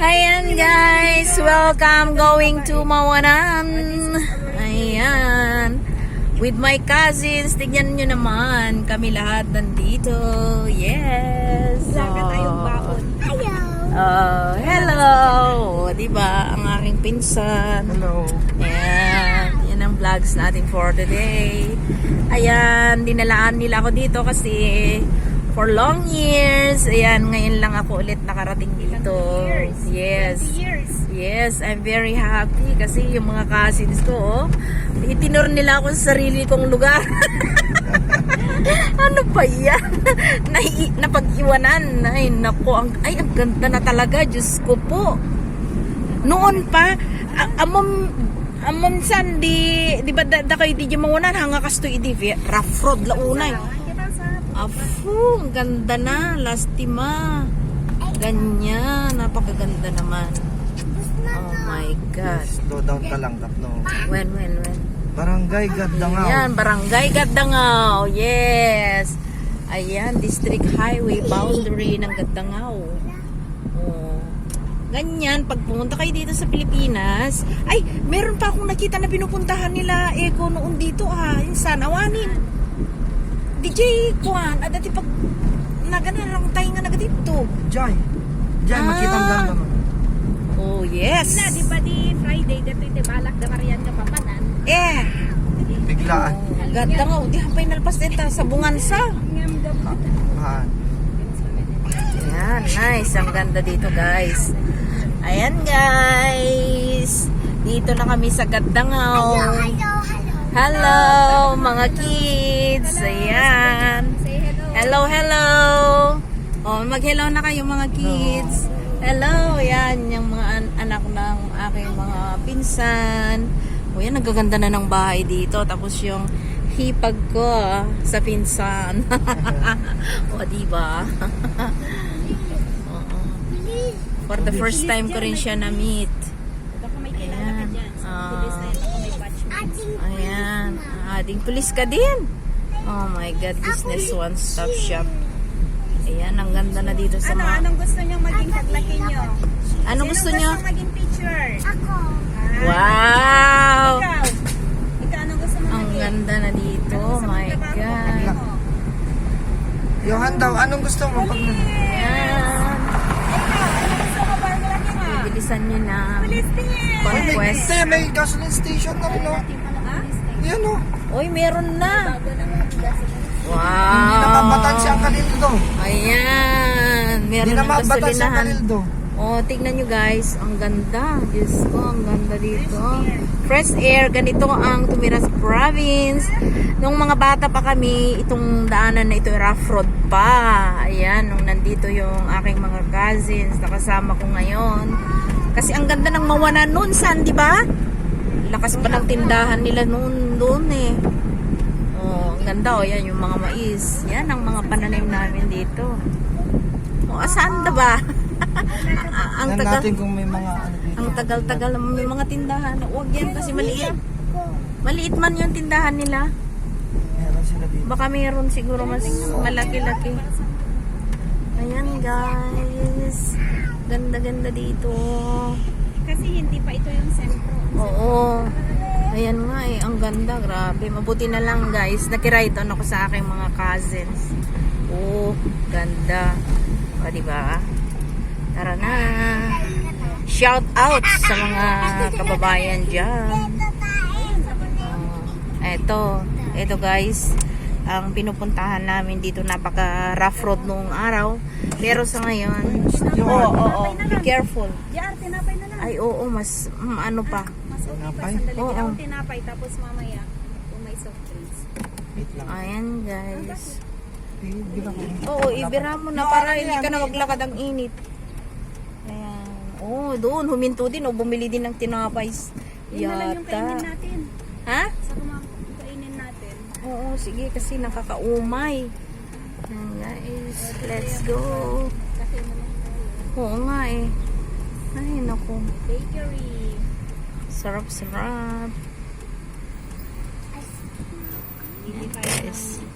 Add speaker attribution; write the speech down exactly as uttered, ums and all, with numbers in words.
Speaker 1: Ayan guys, welcome going to Mawanan. Ayan. With my cousins, tignan nyo naman. Kami lahat nandito. Yes.
Speaker 2: Wala ka tayong baon.
Speaker 1: Hello. Oh, hello. Diba, ang aking pinsan.
Speaker 3: Hello.
Speaker 1: Ayan. Yan ang vlogs natin for today. Ayan, dinalaan nila ako dito kasi for long years. Ayan, ngayon lang ako ulit nakarating dito. Yes.
Speaker 2: years.
Speaker 1: Yes, I'm very happy kasi yung mga cousins ko, oh, itinur nila ako sa sarili kong lugar. Ano ba yan? Nai napag-iwanan. Ay, nako. Ang, ay, ang ganda na talaga. Diyos ko po. Noon pa, amom, amom san, di, di ba da, da kayo di mawanan, hanga kasto idi, rough road launay. Afu, ang ganda na. Lastima. Ganyan. Napakaganda naman. Oh my God.
Speaker 3: Slow down ka lang, tatlo.
Speaker 1: When, when, when?
Speaker 3: Barangay Gaddangaw.
Speaker 1: Ayan, Barangay Gaddangaw. Yes. Ayan, District Highway boundary ng Gaddangaw. Oh. Ganyan, pag pumunta kayo dito sa Pilipinas, ay, meron pa akong nakita na pinupuntahan nila Eko noon dito ah, yung Sanawanin. D J Kwan, ah, dati pag nagana lang tayo nga nagadito.
Speaker 3: Jai. Jai,
Speaker 1: Ah.
Speaker 3: makita ang ganda mo.
Speaker 1: Oh, yes.
Speaker 2: Na, di ba di Friday, dito iti balak na Marian ka papanan.
Speaker 1: Eh.
Speaker 3: Biglaan.
Speaker 1: Oh, Gaddangaw, di hapay nalpas din ta sa Bungansa.
Speaker 2: Ngam gab.
Speaker 3: Ah.
Speaker 1: Ayan, nice. Ang ganda dito, guys. Ayan, guys. Dito na kami sa Gaddangaw. Hello, mga kids. Ayan.
Speaker 2: Say hello.
Speaker 1: Hello, hello. Oh, mag-hello na kayo, mga kids. Hello. Ayan, yung mga an anak ng aking mga pinsan. O yan, nagaganda na ng bahay dito. Tapos yung hipag ko ah, sa pinsan. O, diba? Oo. For the first time ko rin siya na-meet.
Speaker 2: Baka may kilala ka
Speaker 1: Ayan.
Speaker 2: dyan. Sa
Speaker 1: Ah.
Speaker 2: pulis na yun, baka may batchmates.
Speaker 1: Ayan. Ading pulis ka din. Oh my God, business one-stop shop. Ayan, ang ganda na dito sa
Speaker 2: Ano,
Speaker 1: mga...
Speaker 2: anong gusto niyong maging kaglaki niyo?
Speaker 1: Ano gusto
Speaker 2: Sino
Speaker 1: nyo?
Speaker 2: gusto maging teacher? Ako.
Speaker 1: Wow!
Speaker 2: Ikaw. Ikaw, anong gusto mo
Speaker 1: Ang
Speaker 2: maging?
Speaker 1: ganda na dito.
Speaker 2: Anong
Speaker 1: Oh
Speaker 2: gusto
Speaker 1: my
Speaker 2: mong trabaho?
Speaker 1: God.
Speaker 2: Ano mo?
Speaker 3: Johan daw, anong gusto mo pag
Speaker 1: Ayan.
Speaker 2: Ikaw, anong gusto mo para maglaki mo?
Speaker 1: Bilisan nyo na.
Speaker 2: Police din.
Speaker 1: Conquest.
Speaker 3: Hindi, may gasoline station na rin, no?
Speaker 2: Ha?
Speaker 3: Yan, no?
Speaker 1: Uy, meron na.
Speaker 2: Bago na mga gasolina.
Speaker 3: Hindi na
Speaker 1: Wow.
Speaker 3: mabatan si ang Kalildo.
Speaker 1: Ayan.
Speaker 3: Hindi
Speaker 1: Meron
Speaker 3: na
Speaker 1: ng
Speaker 3: mabatan si ang
Speaker 1: gasolinahan.
Speaker 3: Kalildo.
Speaker 1: Oh, tignan nyo guys. Ang ganda. Diyos ko, ang ganda dito. Fresh air. Ganito ang tumira sa province. Nung mga bata pa kami, itong daanan na ito, rough road pa. Ayan, nung nandito yung aking mga cousins, nakasama ko ngayon. Kasi ang ganda ng Mawanan noon, San, di ba? Lakas pa ng tindahan nila noon, doon eh. Oh, ang ganda oh, yan yung mga mais. Yan ang mga pananim namin dito. Oh, asaan da ba? ang
Speaker 3: Tingnan
Speaker 1: tagal,
Speaker 3: natin kung may mga ano dito.
Speaker 1: ang tagal-tagal naman may mga tindahan. Huwag yan kasi maliit. Maliit man yung tindahan nila.
Speaker 3: Meron sila dito.
Speaker 1: Baka mayroon siguro mas malaki-laki. Ayan guys. Ganda-ganda dito.
Speaker 2: Kasi hindi pa ito yung sentro.
Speaker 1: Oo. Ayan nga eh, ang ganda, grabe. Mabuti na lang guys, nakiride on ako sa aking mga cousins. Oh, ganda. O, diba? Tara na. Shout out sa mga kababayan dyan. Oh, eto, eto guys, ang pinupuntahan namin dito, napaka rough road noong araw. Pero sa ngayon, oo, oo, oo, be careful.
Speaker 2: Diyan, tinapay na lang.
Speaker 1: Ay, oo, mas, mm, ano pa.
Speaker 2: Mas okay pa,
Speaker 3: Tinapay?
Speaker 2: sandali.
Speaker 1: Oo.
Speaker 2: Ako tinapay, tapos mamaya, kung may soft drinks.
Speaker 3: Wait lang.
Speaker 1: Ayan guys.
Speaker 3: Eh, bilang ko.
Speaker 1: Oo, ibira mo na para hindi ka na maglakad ang init. Ayan. Oo, doon, huminto din o bumili din ng tinapay.
Speaker 2: Yun na lang yung kainin
Speaker 1: Yata.
Speaker 2: natin.
Speaker 1: Ha?
Speaker 2: Sa kumakainin natin.
Speaker 1: Oo, sige kasi nakakaumay. Ayan guys, let's go.
Speaker 2: Kasi mo lang tayo.
Speaker 1: Oo nga eh. Ay, naku.
Speaker 2: Bakery.
Speaker 1: Sarap-sarap.
Speaker 2: Hindi tayo
Speaker 1: Yes.